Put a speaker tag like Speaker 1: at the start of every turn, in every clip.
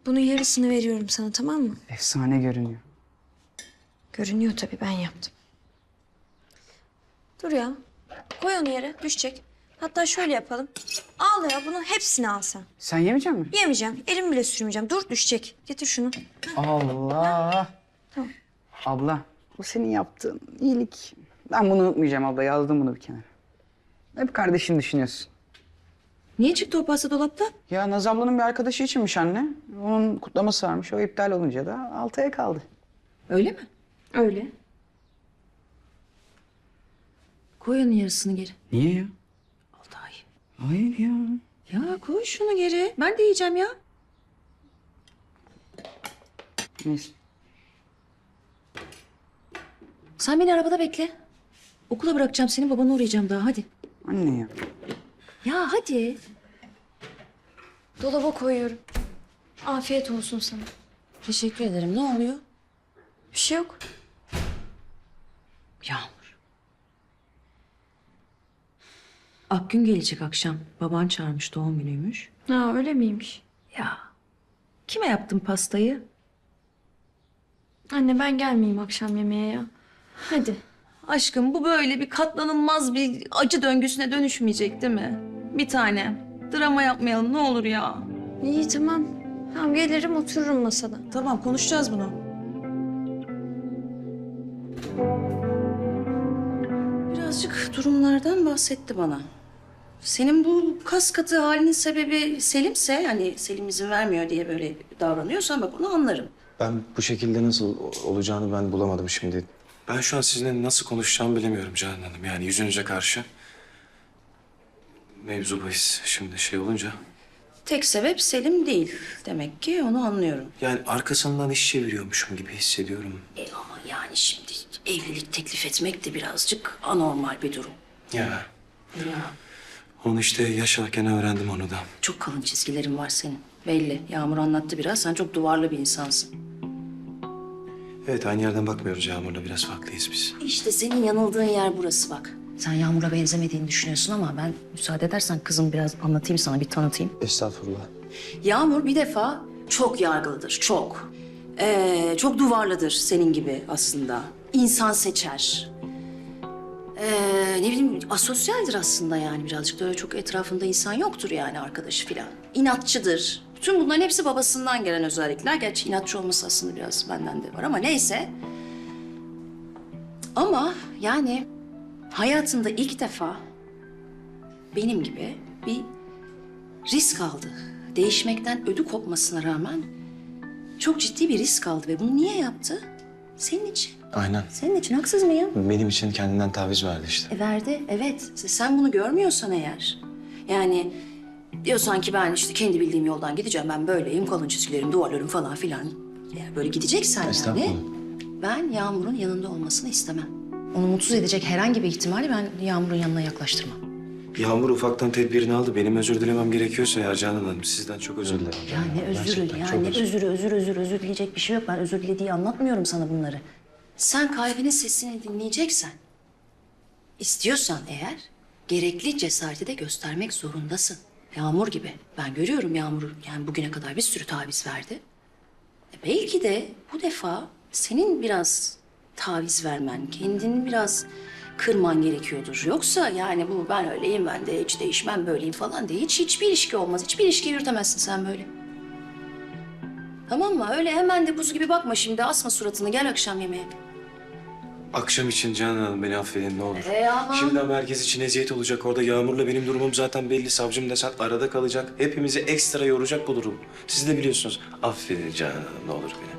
Speaker 1: Bunun yarısını veriyorum sana, tamam mı?
Speaker 2: Efsane görünüyor.
Speaker 1: Görünüyor tabii, ben yaptım. Dur ya. Koy onu yere, düşecek. Hatta şöyle yapalım. Al ya, bunun hepsini al sen.
Speaker 2: Sen yemeyecek misin?
Speaker 1: Yemeyeceğim, elim bile sürmeyeceğim. Dur, düşecek. Getir şunu.
Speaker 2: Allah.
Speaker 1: Tamam.
Speaker 2: Abla, bu senin yaptığın iyilik. Ben bunu unutmayacağım abla. Yazdım bunu bir kenara. Hep kardeşini düşünüyorsun.
Speaker 3: Niye çıktı o pasta dolapta?
Speaker 2: Ya Naz ablanın bir arkadaşı içinmiş anne. Onun kutlaması varmış. O iptal olunca da 6 ay kaldı.
Speaker 3: Öyle mi?
Speaker 1: Öyle.
Speaker 3: Koy onun yarısını geri.
Speaker 2: Niye ya?
Speaker 3: Altay.
Speaker 2: Hayır ya.
Speaker 3: Ya koy şunu geri. Ben de yiyeceğim ya.
Speaker 2: Neyse.
Speaker 3: Sen beni arabada bekle. Okula bırakacağım seni, babana uğrayacağım daha, hadi.
Speaker 2: Anne ya.
Speaker 3: Ya hadi.
Speaker 1: Dolaba koyuyorum. Afiyet olsun sana.
Speaker 3: Teşekkür ederim. Ne oluyor?
Speaker 1: Bir şey yok.
Speaker 3: Yağmur. Akgün gelecek akşam. Baban çağırmış, doğum günüymüş.
Speaker 1: Ha, öyle miymiş?
Speaker 3: Ya kime yaptın pastayı?
Speaker 1: Anne, ben gelmeyeyim akşam yemeğe ya. Hadi.
Speaker 3: Aşkım, bu böyle bir katlanılmaz bir acı döngüsüne dönüşmeyecek değil mi? Bir tane. Drama yapmayalım ne olur ya.
Speaker 1: İyi, tamam. Tamam, gelirim otururum masada.
Speaker 3: Tamam, konuşacağız bunu. Birazcık durumlardan bahsetti bana. Senin bu kas katı halinin sebebi Selim'se, hani Selim izin vermiyor diye böyle davranıyorsan bak onu anlarım.
Speaker 4: Ben bu şekilde nasıl olacağını ben bulamadım şimdi. Ben şu an sizinle nasıl konuşacağımı bilemiyorum Canan Hanım. Yani yüzünüze karşı. Mevzu bahis şimdi şey olunca.
Speaker 3: Tek sebep Selim değil demek ki, onu anlıyorum.
Speaker 4: Yani arkasından iş çeviriyormuşum gibi hissediyorum.
Speaker 3: Ama yani şimdi evlilik teklif etmek de birazcık anormal bir durum.
Speaker 4: Ya
Speaker 3: Ya.
Speaker 4: onu işte yaşarken öğrendim onu da.
Speaker 3: Çok kalın çizgilerin var senin. Belli. Yağmur anlattı biraz. Sen çok duvarlı bir insansın.
Speaker 4: Evet, aynı yerden bakmıyoruz Yağmur'la, biraz farklıyız biz.
Speaker 3: İşte senin yanıldığın yer burası bak. Sen Yağmur'a benzemediğini düşünüyorsun ama ben müsaade edersen kızım biraz anlatayım sana, bir tanıtayım.
Speaker 4: Estağfurullah.
Speaker 3: Yağmur bir defa çok yargılıdır, çok. Çok duvarlıdır senin gibi aslında. İnsan seçer. Ne bileyim asosyaldir aslında yani birazcık da öyle çok etrafında insan yoktur yani arkadaşı filan. İnatçıdır. Bütün bunların hepsi babasından gelen özellikler. Gerçi inatçı olması aslında biraz benden de var ama neyse. Ama yani hayatında ilk defa benim gibi bir risk aldı. Değişmekten ödü kopmasına rağmen çok ciddi bir risk aldı ve bunu niye yaptı? Senin için.
Speaker 4: Aynen.
Speaker 3: Senin için, haksız mıyım?
Speaker 4: Benim için kendinden taviz verdi işte.
Speaker 3: Verdi, evet. Sen bunu görmüyorsan eğer, yani diyorsan ki ben işte kendi bildiğim yoldan gideceğim, ben böyleyim, kalın çizgilerim, duvarlarım falan filan. Eğer böyle gideceksen
Speaker 4: Estağfurullah.
Speaker 3: yani, ben Yağmur'un yanında olmasını istemem. Onu mutsuz edecek herhangi bir ihtimali ben Yağmur'un yanına yaklaştırmam.
Speaker 4: Yağmur ufaktan tedbirini aldı. Benim özür dilemem gerekiyorsa ya Canan Hanım, sizden çok özür dilerim.
Speaker 3: Ya ne özürü,
Speaker 4: Gerçekten
Speaker 3: ya
Speaker 4: çok
Speaker 3: ne özür dileyecek bir şey yok. Ben özür dilediği anlatmıyorum sana bunları. Sen kalbinin sesini dinleyeceksen, istiyorsan eğer, gerekli cesareti de göstermek zorundasın. Yağmur gibi. Ben görüyorum Yağmur'u, yani bugüne kadar bir sürü taviz verdi. Belki de bu defa senin biraz taviz vermen, kendini biraz kırman gerekiyordur. Yoksa yani bu ben öyleyim, ben de hiç değişmem, böyleyim falan diye hiçbir ilişki olmaz. Hiçbir ilişki yürütemezsin sen böyle. Tamam mı? Öyle hemen de buz gibi bakma şimdi. Asma suratını. Gel akşam yemeğe.
Speaker 4: Akşam için Canan Hanım beni affedin ne olur.
Speaker 3: Aman.
Speaker 4: Şimdi ama herkes için eziyet olacak orada. Yağmur'la benim durumum zaten belli. Savcım desen arada kalacak. Hepimizi ekstra yoracak bu durum. Siz de biliyorsunuz. Affedin Canan Hanım ne olur beni.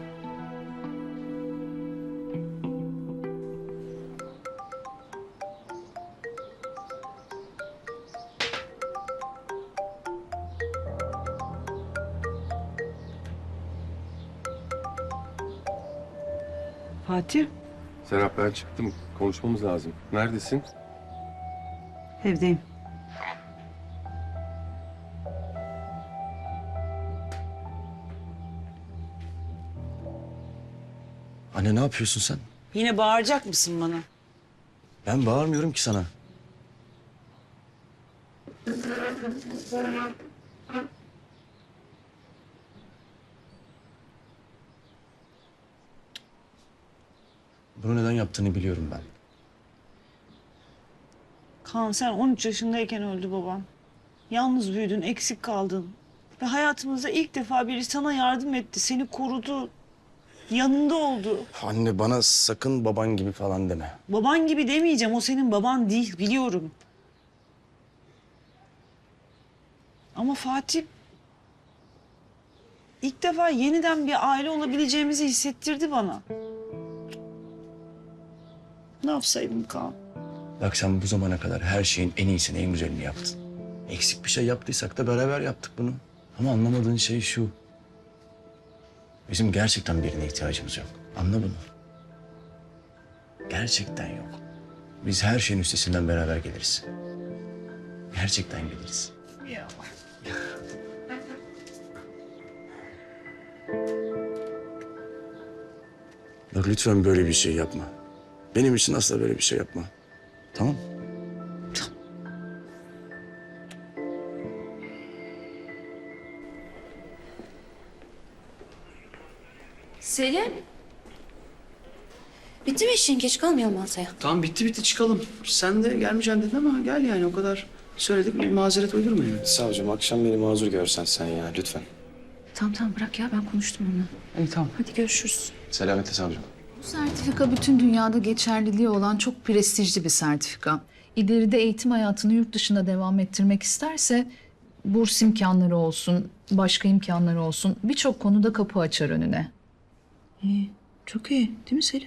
Speaker 5: Fatih,
Speaker 6: Serap ben çıktım. Konuşmamız lazım. Neredesin?
Speaker 5: evdeyim.
Speaker 7: Anne ne yapıyorsun sen?
Speaker 5: Yine bağıracak mısın bana?
Speaker 7: Ben bağırmıyorum ki sana. Bunu neden yaptığını biliyorum ben.
Speaker 5: Kaan sen 13 yaşındayken öldü baban. Yalnız büyüdün, eksik kaldın. Ve hayatımızda ilk defa biri sana yardım etti, seni korudu. Yanında oldu.
Speaker 7: Anne bana sakın baban gibi falan deme.
Speaker 5: Baban gibi demeyeceğim, o senin baban değil, biliyorum. Ama Fatih... ilk defa yeniden bir aile olabileceğimizi hissettirdi bana. Ne yapsaydım Kaan?
Speaker 7: Bak sen bu zamana kadar her şeyin en iyisini, en güzelini yaptın. Eksik bir şey yaptıysak da beraber yaptık bunu. Ama anlamadığın şey şu. Bizim gerçekten birine ihtiyacımız yok. Anla bunu. Gerçekten yok. Biz her şeyin üstesinden beraber geliriz. Gerçekten geliriz.
Speaker 5: Ya.
Speaker 7: Bak lütfen böyle bir şey yapma. Benim için asla böyle bir şey yapma. Tamam?
Speaker 3: Selim. Bitti mi işin? Geç kalmayalım masaya.
Speaker 8: Tamam bitti çıkalım. Sen de gelmeyeceğim dedin ama gel yani o kadar söyledik bir mazeret uydurma yani.
Speaker 4: Savcım akşam beni mazur görsen sen ya lütfen.
Speaker 3: Tamam bırak ya, ben konuştum onunla.
Speaker 8: İyi tamam.
Speaker 3: Hadi görüşürüz.
Speaker 4: Selametle savcım.
Speaker 9: Bu sertifika bütün dünyada geçerliliği olan çok prestijli bir sertifika. İleride eğitim hayatını yurt dışında devam ettirmek isterse burs imkanları olsun, başka imkanları olsun birçok konuda kapı açar önüne.
Speaker 5: İyi, çok iyi değil mi Selim?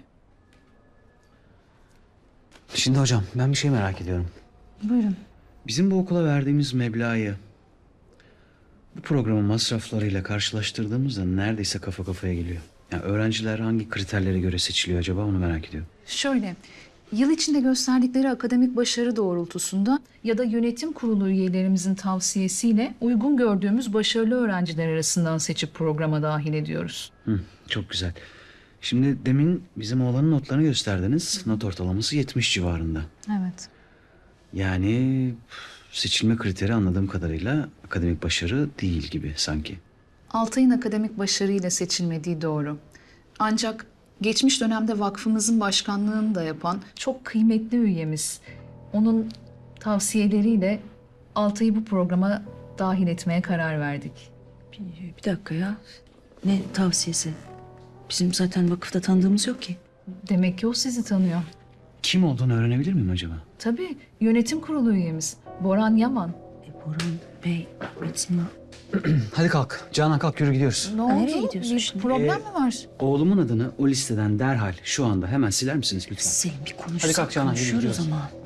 Speaker 8: Şimdi hocam ben bir şey merak ediyorum.
Speaker 9: Buyurun.
Speaker 8: Bizim bu okula verdiğimiz meblağı bu programın masraflarıyla karşılaştırdığımızda neredeyse kafa kafaya geliyor. Yani öğrenciler hangi kriterlere göre seçiliyor acaba onu merak ediyorum.
Speaker 9: Şöyle, yıl içinde gösterdikleri akademik başarı doğrultusunda ya da yönetim kurulu üyelerimizin tavsiyesiyle uygun gördüğümüz başarılı öğrenciler arasından seçip programa dahil ediyoruz.
Speaker 8: Çok güzel. Şimdi demin bizim oğlanın notlarını gösterdiniz. Not ortalaması 70 civarında.
Speaker 9: Evet.
Speaker 8: Yani seçilme kriteri anladığım kadarıyla akademik başarı değil gibi sanki.
Speaker 9: Altay'ın akademik başarıyla seçilmediği doğru. Ancak geçmiş dönemde vakfımızın başkanlığını da yapan çok kıymetli üyemiz. Onun tavsiyeleriyle Altay'ı bu programa dahil etmeye karar verdik.
Speaker 5: Bir dakika ya. Ne tavsiyesi? Bizim zaten vakıfta tanıdığımız yok ki.
Speaker 9: Demek ki o sizi tanıyor.
Speaker 8: Kim olduğunu öğrenebilir miyim acaba?
Speaker 9: Tabii yönetim kurulu üyemiz Boran Yaman.
Speaker 5: Boran Bey, Metin
Speaker 8: Hadi kalk. Canan kalk yürü gidiyoruz.
Speaker 9: Ne oldu?
Speaker 5: nereye gidiyorsun
Speaker 9: Bir
Speaker 5: şimdi?
Speaker 9: problem mi var?
Speaker 8: Oğlumun adını o listeden derhal şu anda hemen siler misiniz lütfen?
Speaker 5: Selim bir konuşsak.
Speaker 8: Hadi kalk Canan, yürü
Speaker 5: konuşuyoruz
Speaker 8: gidiyoruz.
Speaker 5: ama.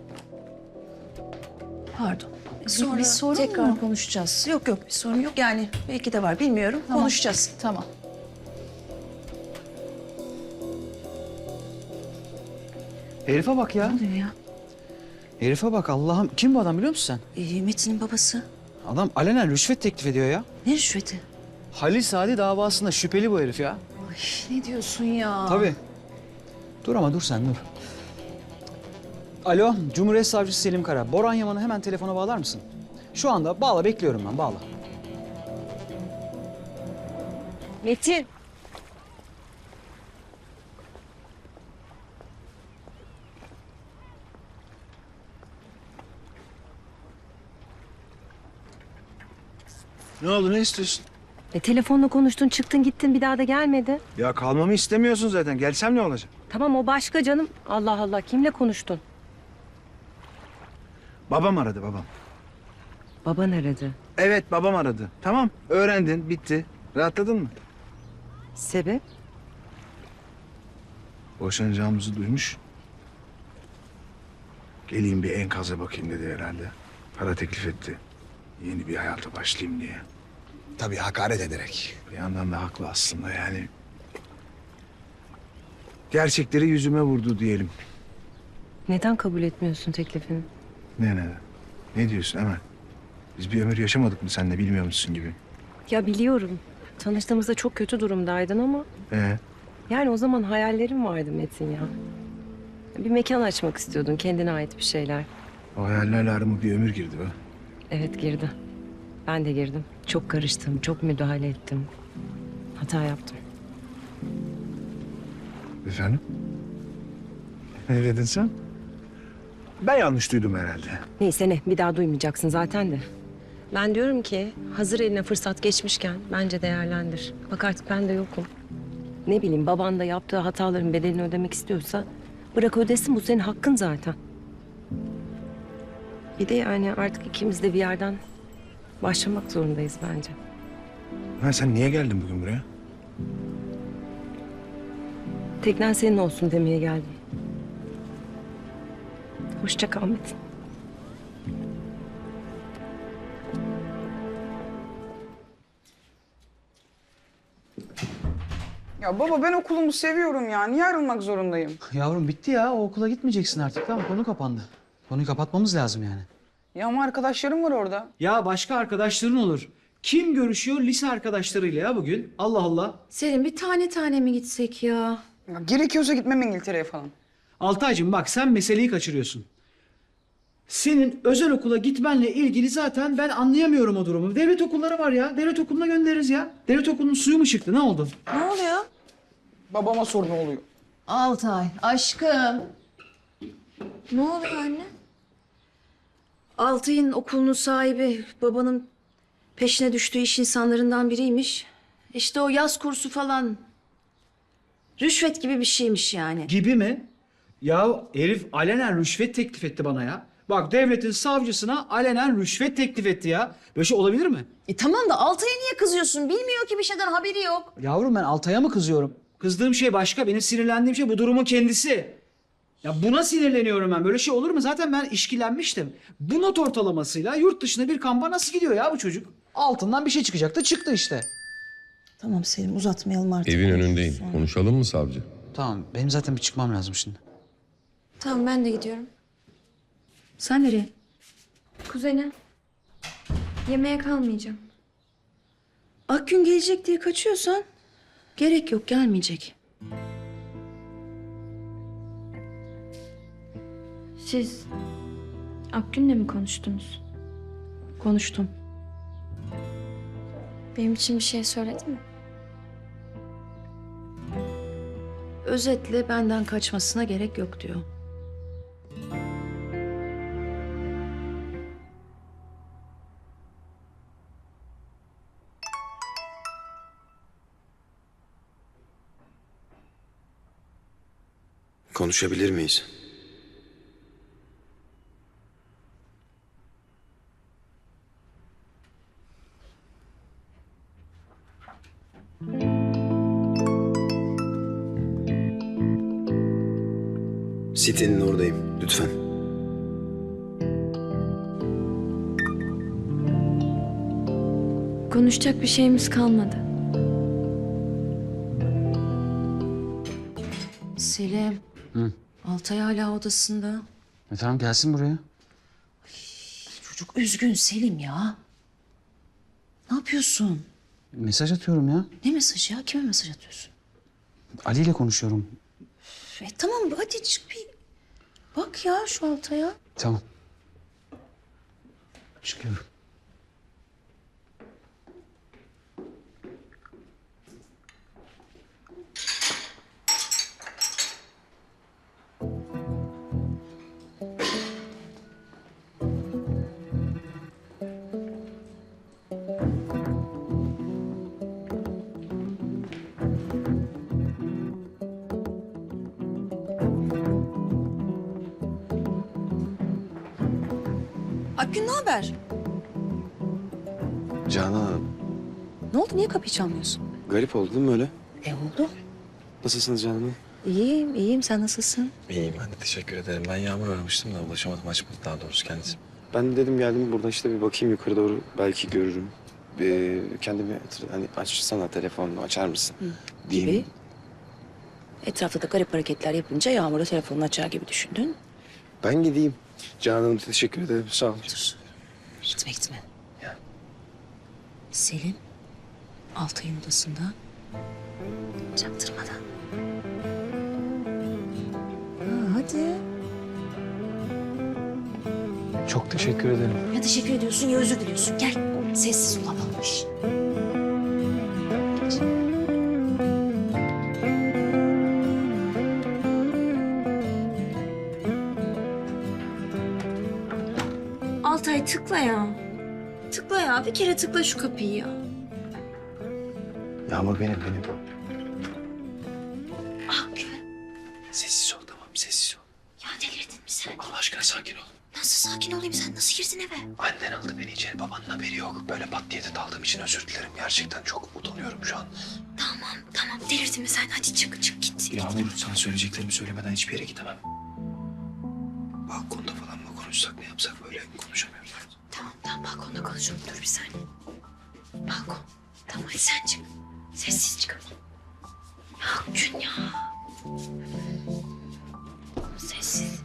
Speaker 5: Pardon.
Speaker 9: Sonra
Speaker 5: Bir
Speaker 9: sorun
Speaker 5: tekrar
Speaker 9: mu?
Speaker 5: konuşacağız. Yok bir sorun yok. Yani belki de var bilmiyorum.
Speaker 9: Tamam.
Speaker 5: Konuşacağız.
Speaker 9: Tamam.
Speaker 8: Herife bak ya.
Speaker 5: Ne oluyor ya?
Speaker 8: Herife bak Allah'ım. Kim bu adam biliyor musun
Speaker 5: Metin'in babası.
Speaker 8: sen? Adam alenen rüşvet teklif ediyor ya.
Speaker 5: Ne rüşveti?
Speaker 8: Halil Sadi davasında şüpheli bu herif ya.
Speaker 9: Ne diyorsun ya?
Speaker 8: Tabii. Dur ama dur sen dur. Alo, Cumhuriyet Savcısı Selim Kara. Boran Yaman'ı hemen telefona bağlar mısın? Şu anda bağla, bekliyorum ben, bağla.
Speaker 10: Metin.
Speaker 11: Ne oldu, ne istiyorsun?
Speaker 10: Telefonla konuştun, çıktın gittin, bir daha da gelmedi.
Speaker 11: Ya kalmamı istemiyorsun zaten. Gelsem ne olacak?
Speaker 10: Tamam, o başka canım. Allah Allah, kimle konuştun?
Speaker 11: Babam aradı, babam.
Speaker 10: Baban aradı.
Speaker 11: Evet, babam aradı. Tamam, öğrendin, bitti. Rahatladın mı?
Speaker 10: Sebep?
Speaker 11: Boşanacağımızı duymuş. Geleyim bir enkaza bakayım dedi herhalde. Para teklif etti. Yeni bir hayata başlayayım diye. Tabii hakaret ederek. Bir yandan da haklı aslında yani. Gerçekleri yüzüme vurdu diyelim.
Speaker 10: Neden kabul etmiyorsun teklifini?
Speaker 11: Ne? Ne diyorsun Emel? Biz bir ömür yaşamadık mı seninle bilmiyor musun gibi?
Speaker 10: Ya biliyorum. Tanıştığımızda çok kötü durumdaydın ama... Yani o zaman hayallerim vardı Metin ya. Bir mekan açmak istiyordun, kendine ait bir şeyler.
Speaker 11: O hayallerle arama bir ömür girdi be.
Speaker 10: Evet, girdi. Ben de girdim. Çok karıştım, çok müdahale ettim. Hata yaptım.
Speaker 11: Efendim? Ne dedin sen? Ben yanlış duydum herhalde.
Speaker 10: Neyse ne, bir daha duymayacaksın zaten de. Ben diyorum ki hazır eline fırsat geçmişken bence değerlendir. Bak artık ben de yokum. Ne bileyim, baban da yaptığı hataların bedelini ödemek istiyorsa bırak ödesin, bu senin hakkın zaten. Bir de yani artık ikimiz de bir yerden başlamak zorundayız bence.
Speaker 11: Ha, sen niye geldin bugün buraya?
Speaker 10: Teknen senin olsun demeye geldim. Hoşça kal Metin.
Speaker 2: Ya baba ben okulumu seviyorum ya. Niye ayrılmak zorundayım?
Speaker 8: Yavrum bitti ya. O okula gitmeyeceksin artık. Tamam, konu kapandı. Konuyu kapatmamız lazım yani.
Speaker 2: Ya ama arkadaşlarım var orada.
Speaker 8: Ya başka arkadaşların olur. Kim görüşüyor lise arkadaşlarıyla ya bugün? Allah Allah.
Speaker 3: Selim bir tane tane mi gitsek ya?
Speaker 2: Ya gerekiyorsa gitmem İngiltere'ye falan.
Speaker 8: Altaycığım bak, sen meseleyi kaçırıyorsun. Senin özel okula gitmenle ilgili zaten ben anlayamıyorum o durumu. Devlet okulları var ya. Devlet okuluna göndeririz ya. Devlet okulunun suyu mu çıktı? Ne oldu?
Speaker 1: Ne oluyor?
Speaker 2: Babama sor ne oluyor.
Speaker 3: Altay aşkım.
Speaker 1: Ne oluyor anne?
Speaker 3: Altay'ın okulunun sahibi babanın peşine düştüğü iş insanlarından biriymiş. İşte o yaz kursu falan. Rüşvet gibi bir şeymiş yani.
Speaker 8: Gibi mi? Ya herif alenen rüşvet teklif etti bana ya. Bak, devletin savcısına alenen rüşvet teklif etti ya. Böyle şey olabilir mi?
Speaker 3: Tamam da Altay'a niye kızıyorsun? Bilmiyor ki, bir şeyden haberi yok.
Speaker 8: Yavrum ben Altay'a mı kızıyorum? Kızdığım şey başka. Benim sinirlendiğim şey bu durumun kendisi. Ya buna sinirleniyorum ben. Böyle şey olur mu? Zaten ben işkilenmiştim. Bu not ortalamasıyla yurt dışına bir kampa nasıl gidiyor ya bu çocuk? Altından bir şey çıkacaktı. Çıktı işte.
Speaker 3: Tamam Selim, uzatmayalım artık.
Speaker 6: Evin önündeyim. Konuşalım mı savcı?
Speaker 8: Tamam. Benim zaten bir çıkmam lazım şimdi.
Speaker 1: Tamam ben de gidiyorum.
Speaker 3: Sen nereye?
Speaker 1: Kuzene. Yemeğe kalmayacağım.
Speaker 3: Akgün gelecek diye kaçıyorsan gerek yok, gelmeyecek.
Speaker 1: Siz Akgün'le mi konuştunuz?
Speaker 3: Konuştum.
Speaker 1: Benim için bir şey söyledi mi?
Speaker 3: Özetle benden kaçmasına gerek yok diyor.
Speaker 4: Konuşabilir miyiz? Sitenin oradayım. Lütfen.
Speaker 1: Konuşacak bir şeyimiz kalmadı.
Speaker 3: Selim.
Speaker 8: Hı.
Speaker 3: Altay hala odasında.
Speaker 8: Tamam, gelsin buraya.
Speaker 3: Çocuk üzgün Selim ya. Ne yapıyorsun?
Speaker 8: Mesaj atıyorum ya.
Speaker 3: Ne mesajı ya? Kime mesaj atıyorsun?
Speaker 8: Ali ile konuşuyorum.
Speaker 3: Tamam hadi çık bir bak ya şu Altay'a.
Speaker 8: Tamam. Çıkıyorum.
Speaker 3: Akgün ne haber?
Speaker 4: Canan,
Speaker 3: Ne oldu? Niye kapıyı çalmıyorsun?
Speaker 4: garip oldu değil mi öyle?
Speaker 3: Oldu.
Speaker 4: Nasılsınız Canan Hanım?
Speaker 3: İyiyim, iyiyim. Sen nasılsın?
Speaker 4: İyiyim ben de teşekkür ederim. Ben Yağmur aramıştım da ulaşamadım, açmadı daha doğrusu kendisi. Ben de dedim geldim buradan işte bir bakayım yukarı doğru belki görürüm. Kendimi hani açsana telefonunu açar mısın? diyeyim.
Speaker 3: Gibi. Etrafta da garip hareketler yapınca Yağmur'a telefonunu açar gibi düşündün.
Speaker 4: Ben gideyim. Canan Hanım teşekkür ederim sağ olun.
Speaker 3: Gitme gitme. Selim Altay'ın odasında. Çaktırmadan. Hadi.
Speaker 8: Çok teşekkür ederim.
Speaker 3: Ya teşekkür ediyorsun ya özür diliyorsun. Gel. Sessiz olamamış.
Speaker 1: Eray tıkla ya. Tıkla ya. Bir kere tıkla şu kapıyı ya.
Speaker 7: Yağmur benim.
Speaker 1: Ah Güven.
Speaker 7: Sessiz ol tamam sessiz ol.
Speaker 1: Ya delirdin mi sen?
Speaker 7: Allah aşkına sakin ol.
Speaker 1: Nasıl sakin olayım? Sen nasıl girdin eve?
Speaker 7: Annen aldı beni içeri babanın haberi yok. Böyle pat diye de daldığım için özür dilerim. Gerçekten çok utanıyorum şu an.
Speaker 1: Tamam. Delirdin mi sen? Hadi çık git.
Speaker 7: Yağmur sana söyleyeceklerimi söylemeden hiçbir yere gidemem. Balkonda falan mı konuşsak ne yapsak böyle konuşamıyoruz.
Speaker 1: Tamam balkonda konuşalım. Dur bir saniye. Balkon. Tamam hadi sen çık. Sessiz çık ama. Ya Gün ya. Sessiz.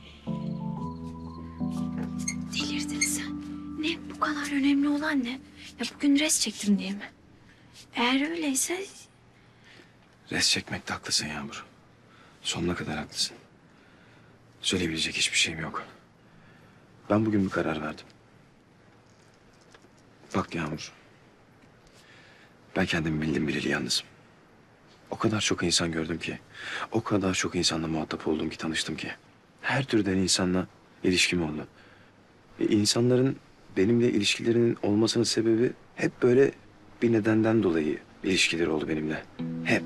Speaker 1: Delirdin sen. Ne bu kadar önemli olan ne? Ya bugün res çektim diye mi? Eğer öyleyse
Speaker 4: Res çekmekte haklısın Yağmur. Sonuna kadar haklısın. Söyleyebilecek hiçbir şeyim yok. Ben bugün bir karar verdim. Bak Yağmur. Ben kendimi bildim bileli yalnızım. O kadar çok insan gördüm ki. O kadar çok insanla muhatap oldum ki, tanıştım ki. Her türden insanla ilişkim oldu. İnsanların benimle ilişkilerinin olmasının sebebi hep böyle bir nedenden dolayı ilişkileri oldu benimle. Hep.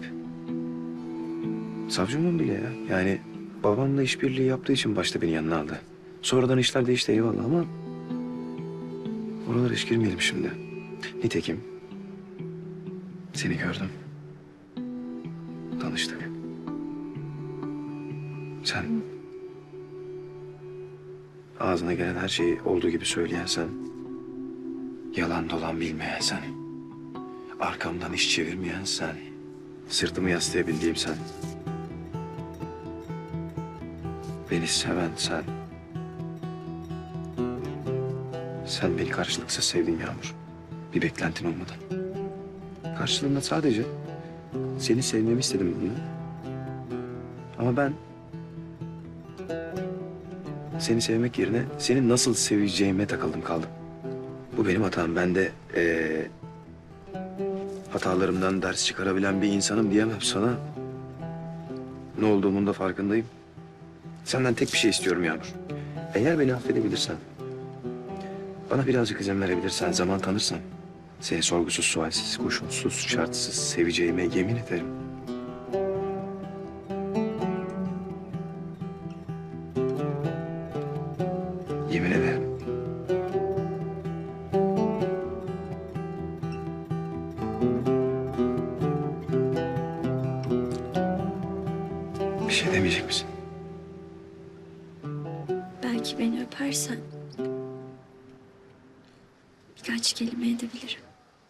Speaker 4: Savcımın bile ya. Yani babamla işbirliği yaptığı için başta beni yanına aldı. Sonradan işler değişti eyvallah ama... oralara hiç girmeyelim şimdi. Nitekim seni gördüm. Tanıştık. Sen ağzına gelen her şeyi olduğu gibi söyleyen sen, yalan dolan bilmeyen sen, arkamdan iş çevirmeyen sen, sırtımı yaslayabildiğim sen, beni seven sen. Sen beni karşılıksız sevdin Yağmur. Bir beklentin olmadan. Karşılığında sadece seni sevmemi istedim bunu. Ama ben seni sevmek yerine seni nasıl seveceğime takıldım kaldım. Bu benim hatam. Ben de hatalarımdan ders çıkarabilen bir insanım diyemem sana. Ne olduğumun da farkındayım. Senden tek bir şey istiyorum Yağmur. Eğer beni affedebilirsen, bana birazcık izin verebilirsen, zaman tanırsan... seni sorgusuz, sualsiz, koşulsuz, şartsız seveceğime yemin ederim. Yemin ederim. Bir şey demeyecek misin?
Speaker 1: belki beni öpersen birkaç kelime edebilirim.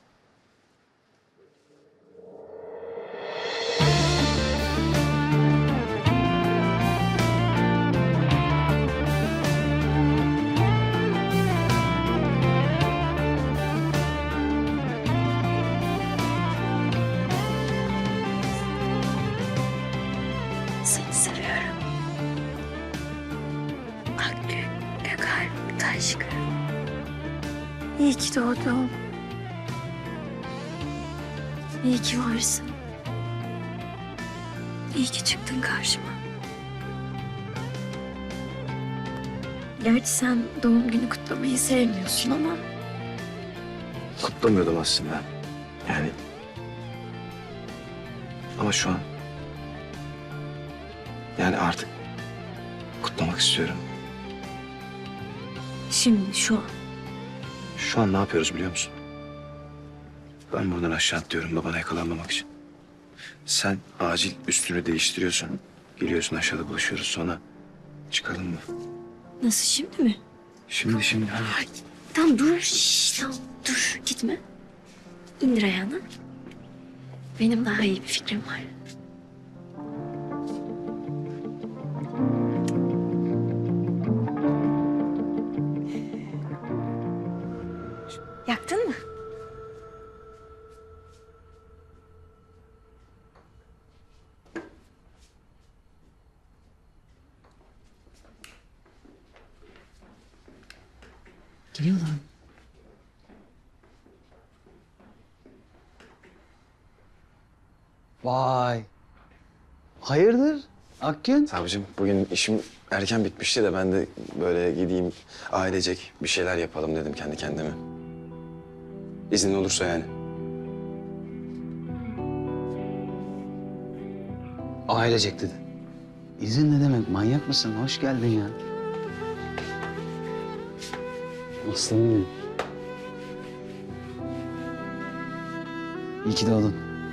Speaker 1: Seni seviyorum. Akgül, Gökalp, Taşkın. İyi ki doğdun. İyi ki varsın. İyi ki çıktın karşıma. Gerçi sen doğum günü kutlamayı sevmiyorsun ama...
Speaker 4: Kutlamıyordum aslında. Yani... ama şu an... yani artık kutlamak istiyorum.
Speaker 1: Şimdi şu an.
Speaker 4: Şu an ne yapıyoruz biliyor musun? Ben buradan aşağı atlıyorum babana yakalanmamak için. Sen acil üstünü değiştiriyorsun. Geliyorsun aşağıda buluşuyoruz sonra çıkalım mı?
Speaker 1: Nasıl şimdi mi?
Speaker 4: Şimdi hadi.
Speaker 1: Ay, tamam dur. Tamam dur gitme. İndir ayağını. Benim daha iyi bir fikrim var. Yaktın mı?
Speaker 5: Geliyorlar mı?
Speaker 2: Vay. Hayırdır? Akgün.
Speaker 4: Savcım bugün işim erken bitmişti de ben de böyle gideyim ailecek bir şeyler yapalım dedim kendi kendime. İznin olursa yani.
Speaker 2: Ailecek dedi. İzin ne demek? Manyak mısın? Hoş geldin ya. Aslanım benim. İyi ki doğdun.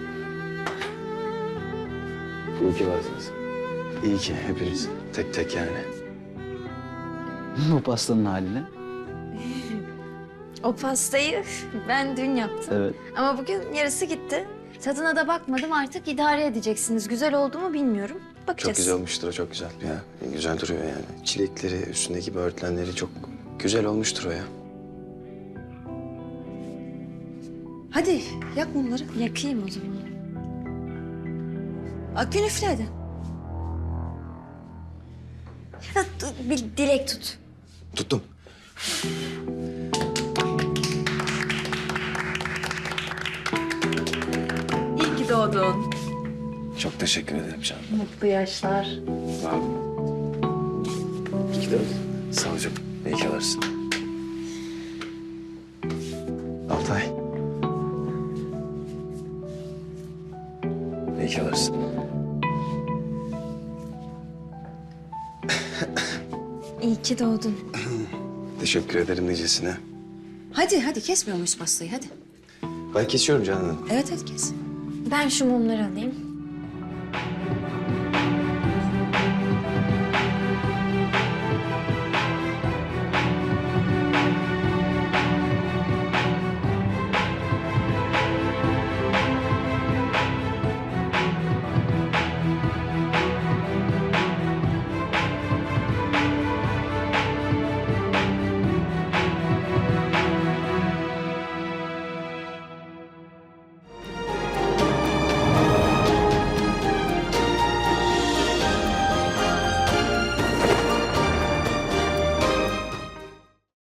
Speaker 4: İyi ki varsınız. İyi ki hepiniz tek tek yani.
Speaker 2: Bu pastanın haline.
Speaker 1: O pastayı ben dün yaptım.
Speaker 2: Evet.
Speaker 1: Ama bugün yarısı gitti. Tadına da bakmadım, artık idare edeceksiniz. Güzel oldu mu bilmiyorum. Bakacağız.
Speaker 4: Çok güzel olmuştur o, çok güzel ya. Güzel duruyor yani. Çilekleri, üstündeki böğürtlenleri çok güzel olmuştur o ya.
Speaker 3: Hadi yak mumları.
Speaker 1: Yakayım o zaman.
Speaker 3: Akgün üfle hadi.
Speaker 1: Bir dilek tut.
Speaker 4: Tuttum.
Speaker 1: İyi ki doğdun.
Speaker 4: Çok teşekkür ederim canım.
Speaker 1: Mutlu yaşlar.
Speaker 4: Sağ ol. İyi ki doğdun. Sağ ol canım. İyi ki varsın. Altay. İyi ki varsın.
Speaker 1: İyi ki doğdun.
Speaker 4: Teşekkür ederim nicesine.
Speaker 3: Hadi kesmiyor muyuz pastayı hadi.
Speaker 4: Ben kesiyorum canım.
Speaker 3: Evet kes.
Speaker 1: Ben şu mumları alayım.